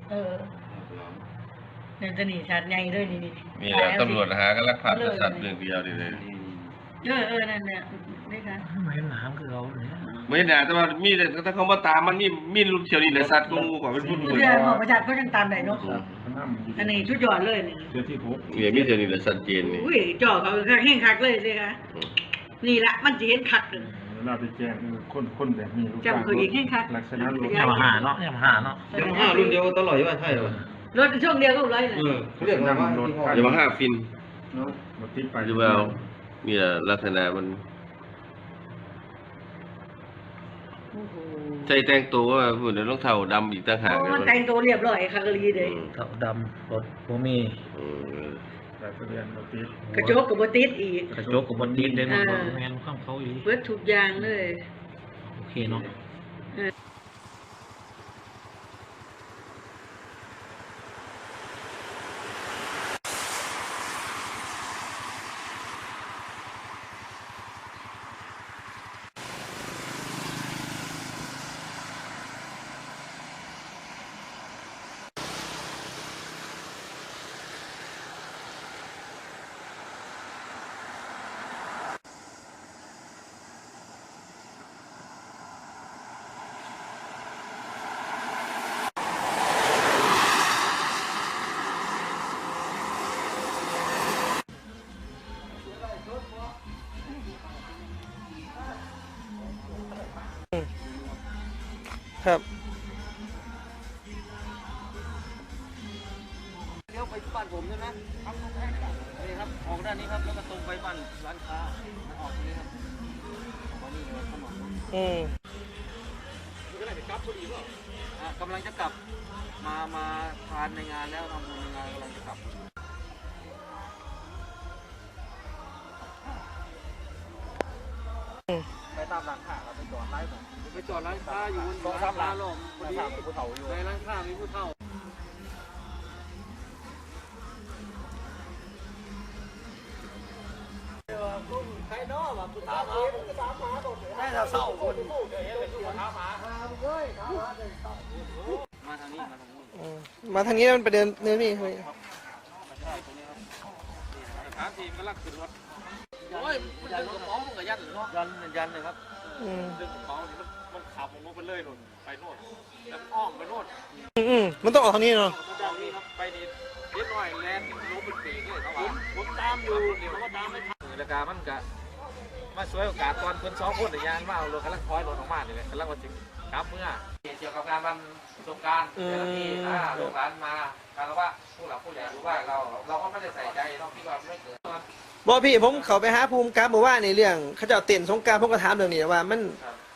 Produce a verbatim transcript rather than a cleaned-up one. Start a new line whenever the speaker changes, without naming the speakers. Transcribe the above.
เออเนี่ยจะหนีชัดใหญ่ด้วยนี่นี่
มีแล้วตำรวจหาก็ลักพาตัวสัตว์เรื่องเดียวนี่เลย
เออเออนั่นเนี่ยนี่ค่ะ
ไม่หนามคือเราเนี่ย
ไม่ด่าแต่ว่ามีแต่ถ้าเขามาตามมันมีมีลูกเชียวนี่แหละสัตว์กูกว่าเป็นรุ่น
เรื่องของประชาชนก็ยังตามได้เนาะอันนี้ชุดยอดเลยนี่
เดือนที่หก
เนี่ยมีเชียวนี่แหละสัตว์เจนนี่
อุ้ยจ่อเขาแห้งคักเลยสิคะนี่ละมันจะเห็นคักเลย
เวลาไปแจ้งคนคนแบบนี้ลูก
จำเขาอีกแห้งคัก
ลักษณะรถ
ยามาหาเนาะยามาหาเนาะ
ยามาฮ่ารุ่นเดียวตลอดว่าใช่เหรอ
รถช่วงเดียวก็ร้อยเลย
เออเขาเรียกว่า
อย่ามาห้าฟิน
เนาะรถติดไป
ดูเอาเนี่ยลักษณะมันใจแต่งตัวว่าพูดในรองเท้าดำอีกต่างหาก
มันแต่งตัวเรียบร้อยคักกะลีเลย
เต่าดำรถโบมี
แต่ทะเบียนรถติด
กระจกกับบติดอีก
กระจกกับบนดินเด่นแมนข้ามเขาอีก
เบิดทุกอย่างเลย
โอเคเนาะ
ครับ
เลี้ยวไปบ้านผมใช่ไหมครับนี่ครับออกด้านนี้ครับแล้วก็ตรงไปบ้านร้านค้าออกตรงนี้ครับออกนี่เลยเข้ามา
อืม
นี่ก็ได้กลับพอดีป่ะอ่ะกำลังจะกลับมามาทานในงานแล้วทำบุญในงานกำลังจะกลับไปตามร้านค้าครับไปจอดร้านผมไปจอดร้านค้าอยู่บนร้านค้าลมพอดีผู้เฒ่าอยู่ในร้านค้ามีผู้เฒ่าใครเนาะแบบผู้เฒ่าได้เราเศร้าคนมาทางนี้มาทางนี้
อืมมาทางนี้มันไปเดินเนื้อพี่เฮ้ย
ถามทีมก็ลักขึ้นรถโอ้ยมันดึงกระเป๋ามันก็ยันยันยันเลยครับ
อืม
ดึงกระเป๋ามันมันขับลงไปเลยโน่นไปโน่นแล้วอ้อมไปโน่น
อืมอืมมันต้องออกทางนี้เนาะ
ทางนี้ครับไปนี่เล็กน้อยแลนลงเป็นปีกเลยเขาว่าผมตามอยู่เดี๋ยวเขาตามไม่ทันราคามันก็มาช่วยโอกาสตอนเพิ่นสองคนแต่ยานมาเอารถกำลังคอยรถออกมานี่แหละกำลังมาถึงกลับเมื่อเกี่ยวกับงานวันสงการเจ้าหน้าที่อ่าลูกหลานมาการว่าผู้หลักผู้ใหญ่รู้ว่าเราเราก็ไม่ได้ใส่ใจเราคิดว่าไม่เกิด
บอกพี่ผมเขาไปหาภูมิกับบอกว่าในเรื่องเขาจะเอาเต้นสงกรารผมก็ถามเรื่องนี้ว่ามัน
ครับ